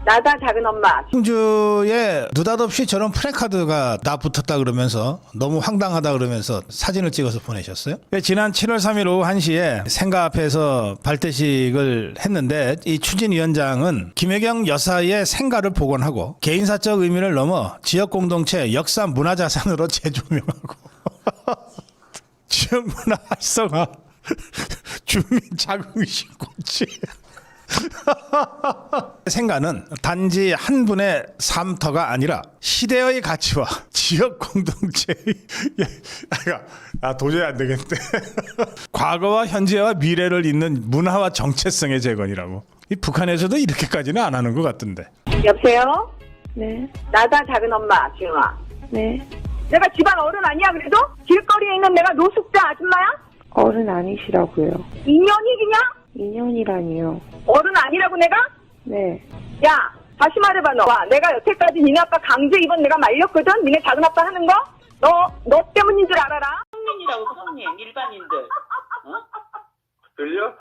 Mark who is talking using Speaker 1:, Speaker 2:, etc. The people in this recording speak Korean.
Speaker 1: 나다 작은 엄마.
Speaker 2: 충주에 느닷없이 저런 프랜카드가 나 붙었다 그러면서 너무 황당하다 그러면서 사진을 찍어서 보내셨어요. 지난 7월 3일 오후 1시에 생가 앞에서 발대식을 했는데 이 추진위원장은 김혜경 여사의 생가를 복원하고 개인사적 의미를 넘어 지역공동체 역사 문화자산으로 재조명하고 지역문화 활성화 주민 자긍심 고치 생가는 단지 한 분의 삶터가 아니라 시대의 가치와 지역 공동체의 도저히 안 되겠는데 과거와 현재와 미래를 잇는 문화와 정체성의 재건이라고. 이 북한에서도 이렇게까지는 안 하는 것 같던데.
Speaker 1: 여보세요?
Speaker 3: 네,
Speaker 1: 나다 작은 엄마 지영아.
Speaker 3: 네.
Speaker 1: 내가 집안 어른 아니야 그래도? 길거리에 있는 내가 노숙자 아줌마야?
Speaker 3: 어른 아니시라고요.
Speaker 1: 인연이 그냥?
Speaker 3: 인연이라니요.
Speaker 1: 어른 아니라고 내가?
Speaker 3: 네.
Speaker 1: 야 다시 말해봐 너. 와, 내가 여태까지 니네 아빠 강제 입원 내가 말렸거든? 니네 작은 아빠 하는 거? 너 때문인 줄 알아라?
Speaker 4: 성민이라고 성민 일반인들. 어?
Speaker 5: 들려?